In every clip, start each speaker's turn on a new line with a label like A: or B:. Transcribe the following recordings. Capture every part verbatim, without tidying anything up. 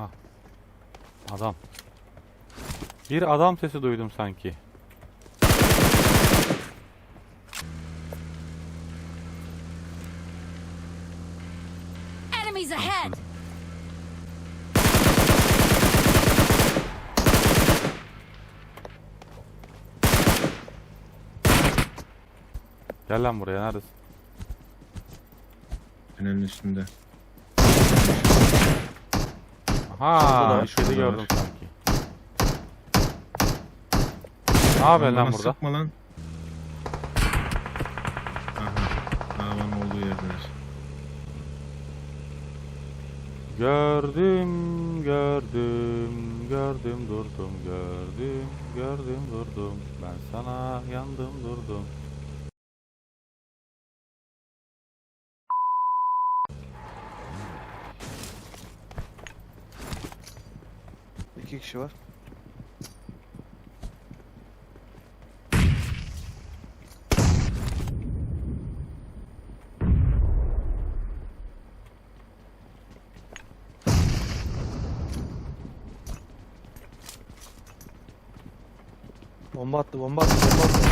A: Aha. Adam. Bir adam sesi duydum sanki.
B: Enemies ahead.
A: Gel lan buraya, neredesin?
C: Tünelin üstünde.
A: Aha,
C: da,
A: bir
C: şurada
A: şeyi
C: da
A: gördüm
C: var.
A: sanki. Ne yapıyorsun lan
C: Bana
A: burada?
C: sıkma lan. Aha. Davanın olduğu yerdeler.
A: Gördüm, gördüm, gördüm durdum, gördüm, gördüm durdum. Ben sana yandım durdum.
D: İki kişi var. Bomba attı, bomba attı, bomba attı.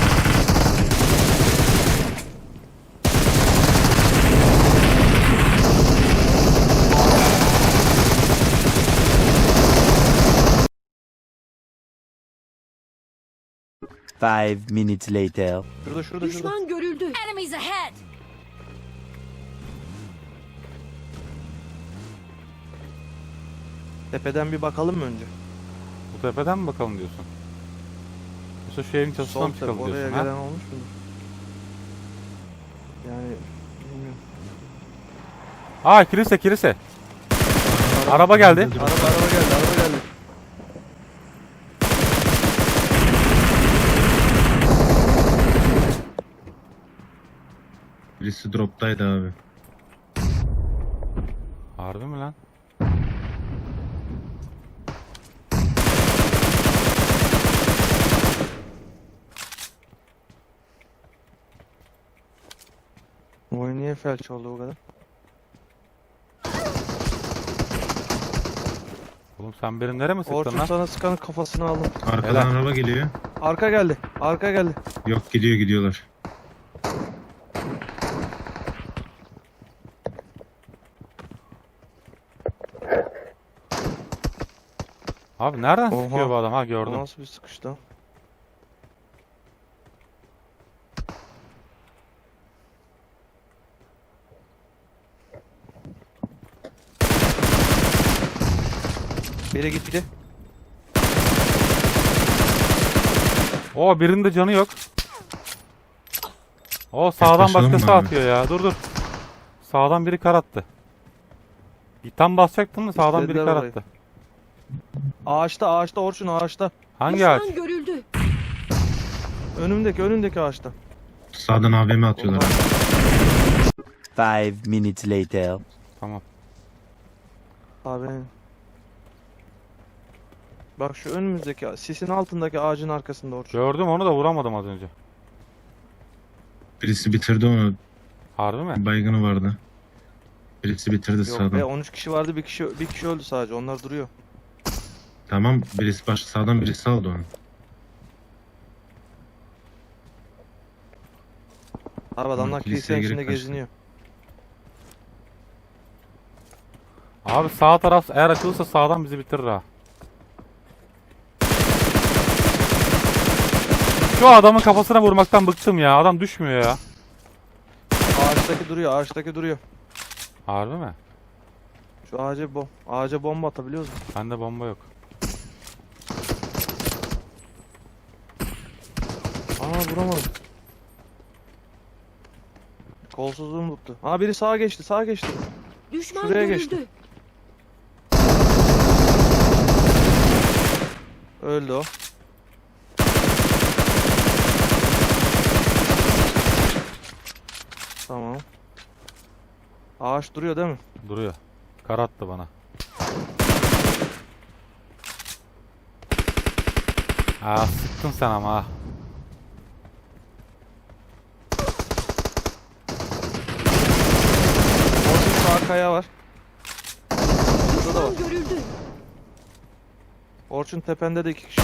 E: Five minutes later.
D: Şurada, şurada, şurada.
B: Düşman görüldü. Enemies ahead.
D: Tepeden bir bakalım mı önce?
A: Bu tepeden mi bakalım diyorsun? Yoksa şu evin çatısından mı
D: Sol
A: çıkalım
D: tepe, oraya
A: diyorsun
D: gelen
A: ha?
D: olmuş mu? Yani bilmiyorum.
A: Aa, kilise kilise. Araba geldi.
D: Araba, araba geldi, araba geldi.
C: Birisi droptaydı abi.
A: Harbi mi lan?
D: Bu oyun niye felç oldu bu kadar?
A: Oğlum sen benim nereye mi sıktın
D: Orçun
A: lan?
D: sana sıkanın kafasını aldım.
C: Arkadan
A: Helal.
C: araba geliyor.
D: Arka geldi, arka geldi.
C: Yok, gidiyor gidiyorlar.
A: Abi nereden
D: Oha.
A: sıkıyor bu adam? Ha,
D: Bu
A: gördüm.
D: nasıl bir sıkış lan? Biri gitti.
A: Oo, birinin de canı yok. O sağdan
C: Yaklaşalım
A: başkası
C: mı abi?
A: atıyor ya. Dur dur. Sağdan biri kar attı. Bir tam basacaktın mı sağdan biri
D: İstediler
A: kar
D: orayı.
A: attı.
D: Ağaçta, ağaçta Orçun, ağaçta.
A: Hangi ağaç?
B: Düşman görüldü.
D: Önümdeki, önümdeki ağaçta.
C: Sağdan A V M atıyorlar.
E: Five minutes later.
A: Tamam.
D: Abi. Bak şu önümüzdeki, sisin altındaki ağacın arkasında Orçun.
A: Gördüm, onu da vuramadım az önce.
C: Birisi bitirdi onu.
A: Harbi mi?
C: Baygını vardı. Birisi bitirdi
D: Yok
C: sağdan.
D: be, on üç kişi vardı, bir kişi bir kişi öldü sadece. Onlar duruyor.
C: Tamam, birisi baş sağdan birisi aldı onu.
D: Abi adamlar
C: kiliseye
D: kilisenin
C: girip
D: içinde
C: kaçtı.
D: geziniyor.
A: Abi sağ taraf eğer açılırsa sağdan bizi bitirir ha. Şu adamın kafasına vurmaktan bıktım ya. Adam düşmüyor ya.
D: Ağaçtaki duruyor, ağaçtaki duruyor.
A: Harbi mi?
D: Şu ağaca bom ağaca bomba atabiliyoruz mu?
A: Bende bomba yok.
D: Aa, vuramadım. Kolsuzluğum tuttu. Aa, biri sağa geçti, sağa geçti.
B: Düşman
D: Şuraya
B: görüldü.
D: geçti. Öldü o. Tamam. Ağaç duruyor değil mi?
A: Duruyor. Kar attı bana. Aa, sıktın sen ama ha.
D: Orada sağ kaya var. da var.
B: Düşman görüldü.
D: Orçun tepende de iki kişi var.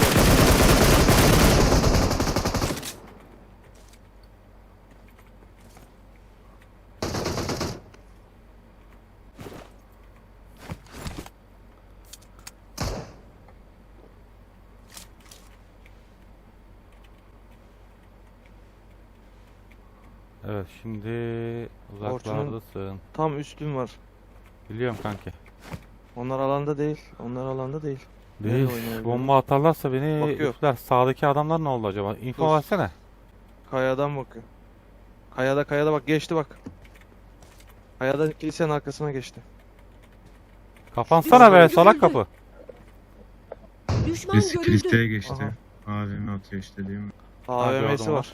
A: Evet şimdi uzaklardasın.
D: Tam üstün var.
A: Biliyorum kanki.
D: Onlar alanda değil. Onlar alanda değil. Nerede
A: Değil.
D: oynuyor
A: Bomba atarlarsa beni
D: Bakıyor.
A: üfler. Sağdaki adamlar ne oldu acaba? Info
D: Dur.
A: versene.
D: Kayadan bakıyor. Kayada kayada bak geçti bak. Kayadan kilisenin arkasına geçti.
A: Kapansana be
B: Düşman
A: salak
B: görüldü.
A: kapı.
B: Düşman
C: Birisi
B: görüldü.
C: kilisteye geçti.
D: Aha.
C: Abimi atıyor işte değil mi?
D: A V M'si
A: gördüm
D: var.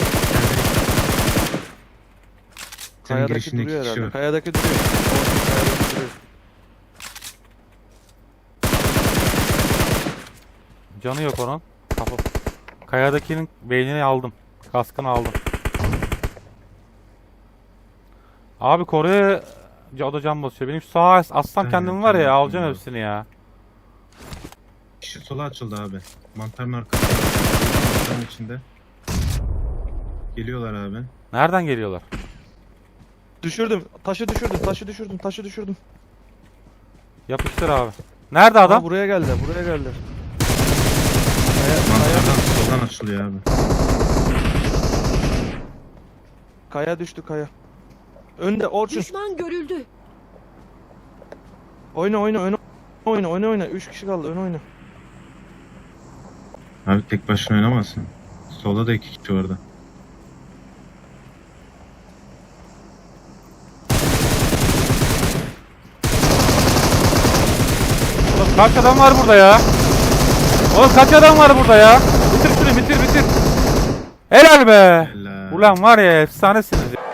C: Senin
D: Kayadaki
C: girişinde
D: duruyor
C: iki kişi
D: herhalde.
C: var.
D: Kayadaki duruyor. Orçun kayadaki duruyor.
A: Canı yok onun. Kapı. Kayadakinin beynini aldım. Kaskını aldım. Abi koruya o da can basıyor. Benim şu sağa assam
C: Aynen,
A: kendim var ya
C: tamam,
A: alacağım
C: tamam.
A: hepsini ya.
C: Kişi sola açıldı abi. Mantarın arkasında. Mantarın içinde. Geliyorlar abi.
A: Nereden geliyorlar?
D: Düşürdüm. Taşı düşürdüm. Taşı düşürdüm. Taşı düşürdüm.
A: Yapıştır abi. Nerede
D: Adam
A: adam?
D: buraya geldi. Buraya geldi. Kaya, kaya,
C: Mantardan soldan açılıyor abi.
D: kaya düştü kaya. Önde Orçun.
B: Düşman görüldü.
D: Oyna oyna oyna. Oyna oyna oyna. Üç kişi kaldı. Ön oyna.
C: Abi tek başına oynamazsın. Solda da iki kişi vardı.
A: Oğlum kaç adam var burada ya? Oğlum kaç adam var burada ya? Bitir şunu bitir bitir. Helal be.
C: Helal.
A: Ulan var ya efsanesiniz ya.